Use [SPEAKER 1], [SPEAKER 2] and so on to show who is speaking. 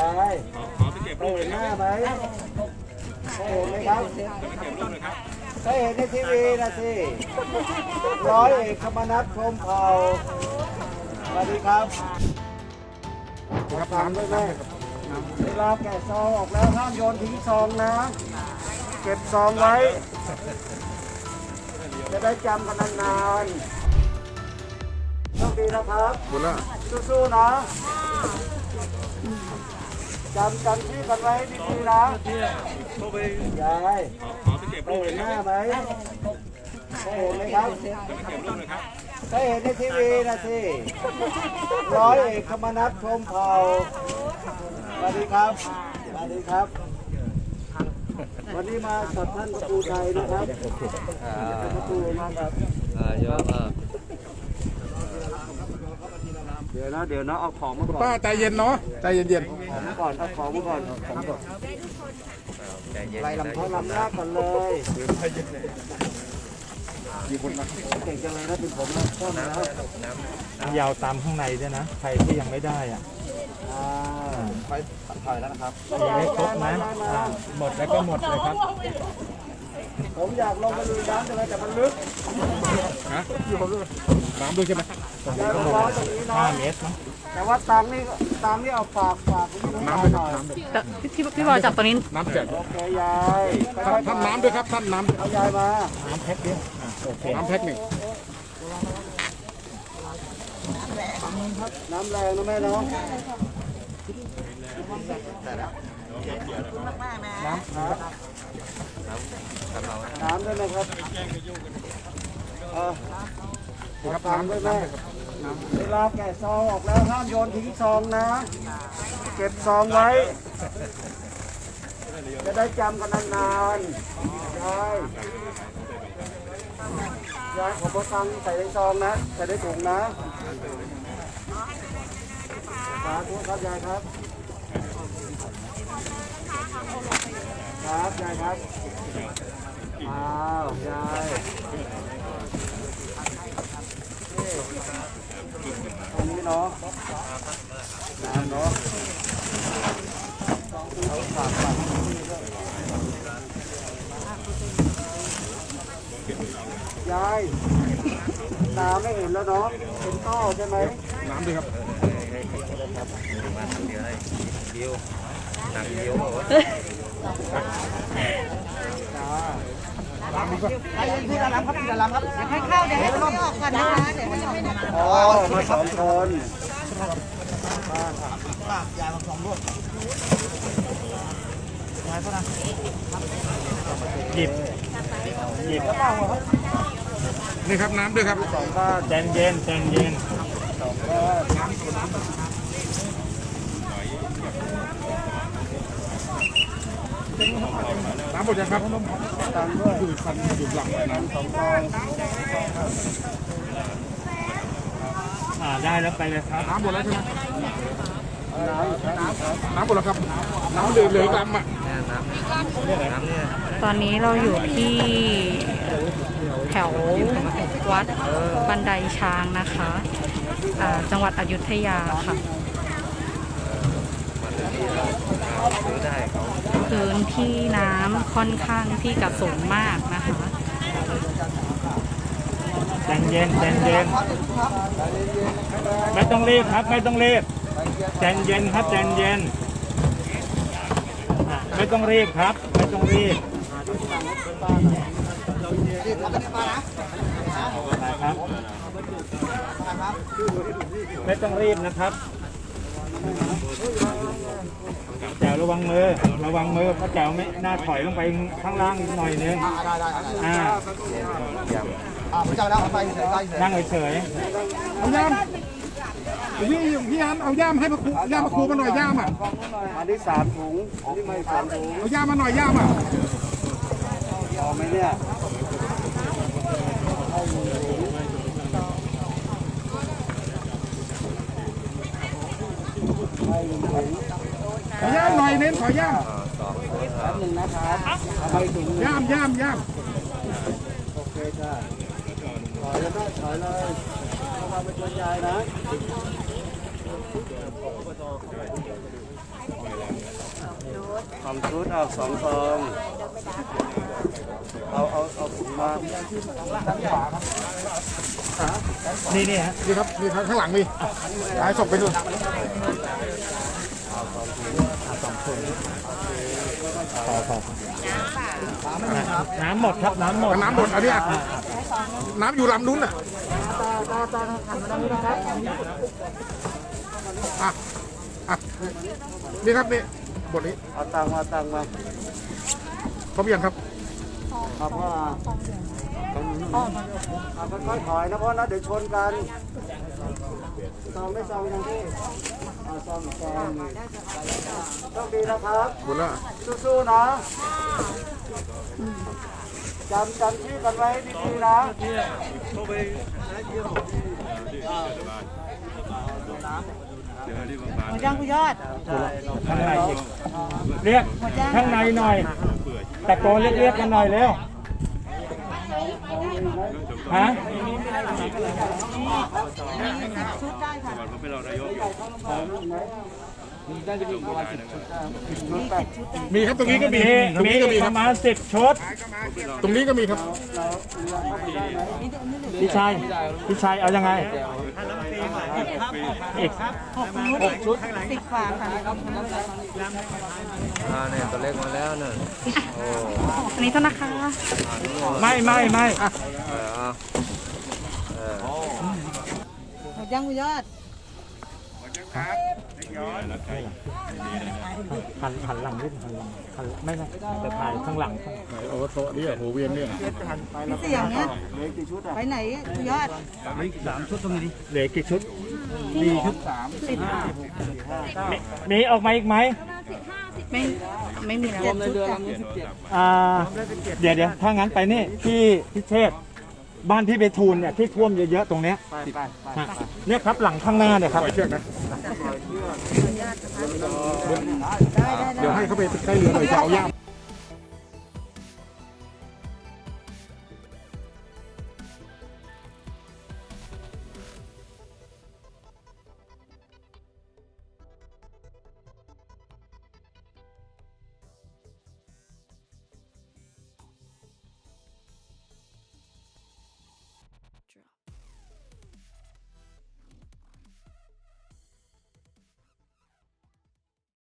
[SPEAKER 1] ายได้เห็นหน้าไหมได้เห็นไหมครับได้เห็นในทีวีนะสิร้อยเอกธรรมนัสพรหมเผ่าสวัสดีครับฟังด้วยแม่เวลาแกะซองออกแล้วห้ามโยนทิ้งซองนะเก็บซองไว้จะได้จำกันนานๆโชคดีนะครับสู้ๆนะจำที่กันไว้ดีๆนะยายได้เห็นหน้าไหมได้เห็นไหมครับได้เห็นในทีวีนะสิร้อยเอกธรรมนัสพรหมเผ่าสวัสดีครับสวัสดีครับวันนี้มากับท่านประตูชัยนะครับประตูมาครับเยอะมากเดี๋ยวนะเอาของมาก่อน
[SPEAKER 2] ป้าใจเย็นเนาะใจเย็น
[SPEAKER 1] ๆก่อนเอาของมาก่อนไล่ลำท้องลำหน้าก่อนเลยมีคนมาเก่งจังเลยนะเป็นผมนะต้นแล้ว
[SPEAKER 3] น้ำยาวตามข้างในด้วยนะใครที่ยังไม่ได้อ่ะ
[SPEAKER 1] ไปถ่ายแล้วนะครับ
[SPEAKER 3] มีไม่ครบนะหมดแล้วก็หมดเลยครับ
[SPEAKER 1] ผมอยากลงมาลุยน้ำจังเลยแต่มันลึก
[SPEAKER 2] ฮะน้ำด้วยใช่ไหม
[SPEAKER 3] 5 เมตรนะ
[SPEAKER 1] แต่ว่าตังนี่เอาฝาก
[SPEAKER 2] น้ำด้วยครับ
[SPEAKER 4] พี่บอยจับตัวนี้
[SPEAKER 2] น้ำแจก
[SPEAKER 1] โอเคยาย
[SPEAKER 2] ท่านน้ำด้วยครับท่านน้ำ
[SPEAKER 1] เอายายมา
[SPEAKER 3] น้ำแพ็คเดียวโอเค
[SPEAKER 2] น้ำแพ็คหนึ่ง
[SPEAKER 1] น้ำแรงนะแม่เนาะน้ำด้วยนะครับตามด้วยแม่เวลาแกะซองออกแล้วห้ามโยนทิ้งซองนะเก็บซองไว้จะได้จำกันนานๆยายขอตังค์ใส่ในซองนะใส่ในถุงนะสาธุครับยายครับครับยายครับอ้าวยายตรงนี้เนาะเนาะเอาฝากยายน้ำไม่เห็นแล้วเนาะเป็นต้อใช่ไหม
[SPEAKER 2] น้ำด้วยครับ
[SPEAKER 3] มาทำเดียวเลยเดียวหนักเดียว
[SPEAKER 2] น้ำดีกว่า
[SPEAKER 1] ใครเล่นที่ระลำครับที่ระลำครับ
[SPEAKER 4] ให้เข้าเดี๋ยวให้เขาออกก่อนนะคะเดี๋ยวยังไม่ได้
[SPEAKER 1] อ๋อมา2 คนยายมา2 ลูกยายก็นะ
[SPEAKER 3] หยิบ
[SPEAKER 1] แล้วบ้างครับ
[SPEAKER 2] นี่ครับน้ำด้วยครับ
[SPEAKER 1] 2 ก้าน
[SPEAKER 3] ใจเย็น2
[SPEAKER 1] ก้าน
[SPEAKER 2] น้ำหมดยังครับ
[SPEAKER 1] ตามด้วย
[SPEAKER 2] ดูคันดูหลังน้ำ
[SPEAKER 1] 2 ก้อน
[SPEAKER 3] ได้แล้วไปเลยครับ
[SPEAKER 2] น้ำหมดแล้วใช่ไหม
[SPEAKER 1] น้ำ
[SPEAKER 2] หมดแล้วครับน้ำเหลือลำอ่ะ
[SPEAKER 4] ตอนนี้เราอยู่ที่แถววัดบันไดช้างนะคะจังหวัดอยุธยาค่ะพื้นที่น้ำค่อนข้างที่จะสูงมากนะคะ
[SPEAKER 3] ใจเย็นไม่ต้องรีบครับไม่ต้องรีบใจเย็นครับใจเย็นไม่ต้องรีบครับไม่ต้องรีบครับไม่ต้องรีบนะครับแจ๋วระวังมือเพราะแจ๋วไม่น่าถอยลงไปข้างล่างหน่อยนึงนั่งเฉย
[SPEAKER 2] เอาย่ามพี่ยามเอาย่ามให้ย่ามมาครูมาหน่อยย่ามอ่ะ
[SPEAKER 1] อันนี้3 ถุงอันนี้ไม่3 ถุง
[SPEAKER 2] เอาย่ามมาหน่อยย่ามอ่ะ
[SPEAKER 1] พอไหมเนี่ย
[SPEAKER 2] ขอย่ามหน่อยเน้นขอย่าม
[SPEAKER 1] แป๊บนึงนะครับเอาไปถุง
[SPEAKER 2] ย่าม
[SPEAKER 1] โอเคจ้าถอยเลยเอามาไปชวนยายนะ 2 ชุดเอา2 ซองเอามา
[SPEAKER 3] นี่ฮะ
[SPEAKER 2] นี่ครับนี่ข้างหลังนี่ย้ายศพไปดู
[SPEAKER 3] น้ำหมดครับน้ำหมด
[SPEAKER 2] น้ำหมดอันนี้อ่ะน้ำอยู่ลำนู้นอ่ะอ่ะนี่ครับนี่บทนี้
[SPEAKER 1] เอาตังมา
[SPEAKER 2] ครบยังครับ
[SPEAKER 1] ครับพ่อค่อยๆถอยนะพ่อนะเดี๋ยวชนกันซองไม่ซองยังที่ซองโชคดีนะครับ
[SPEAKER 2] หมดแล้ว
[SPEAKER 1] สู้ๆนะจำชื่อกันไว้ดีๆนะ
[SPEAKER 5] หมดยังคุณยอด
[SPEAKER 3] ข้างในอีกเรียกข้างในหน่อยตะโกนเรียกกันหน่อยเร็วฮะ
[SPEAKER 2] มีครับตรงนี้ก็มี ตรง
[SPEAKER 3] มี
[SPEAKER 2] นี้ก็มี
[SPEAKER 3] ป
[SPEAKER 2] ครับ
[SPEAKER 3] ระมาณ10 ชุด
[SPEAKER 2] ตรงนี้ก็มีครับ
[SPEAKER 3] พี่ชายเอายังไงอีก
[SPEAKER 5] 6 ชุด 10 ฝาค่ะ
[SPEAKER 1] เนี่ยตัวเล็กมาแล้วเนี่ย
[SPEAKER 4] อันนี้เท่านะคะ
[SPEAKER 3] ไม่
[SPEAKER 5] หมดยังคุณยอด
[SPEAKER 3] หันหลังนิดหันไม่จะถ่ายข้างหลัง
[SPEAKER 2] โอ้โหนี่หัวเวียนเนี่ย
[SPEAKER 5] พี่เสียงเนี่ยไปไหนคุณยอด
[SPEAKER 3] เหลือกี่ชุด มีออกมาอีกไหม
[SPEAKER 4] ไม่มีแล้ว
[SPEAKER 3] เดี๋ยวถ้างั้นไปนี่ที่พิเชษบ้านพี่เบทูลเนี่ยที่ท่วมเยอะๆตรงเนี้ยเนี่ยครับหลังข้างหน้าเนี่ยครับ
[SPEAKER 2] ปล่อยเชือกนะเดี๋ยวให้เขาไปใกล้เรือหน่อยจะเอาย่าม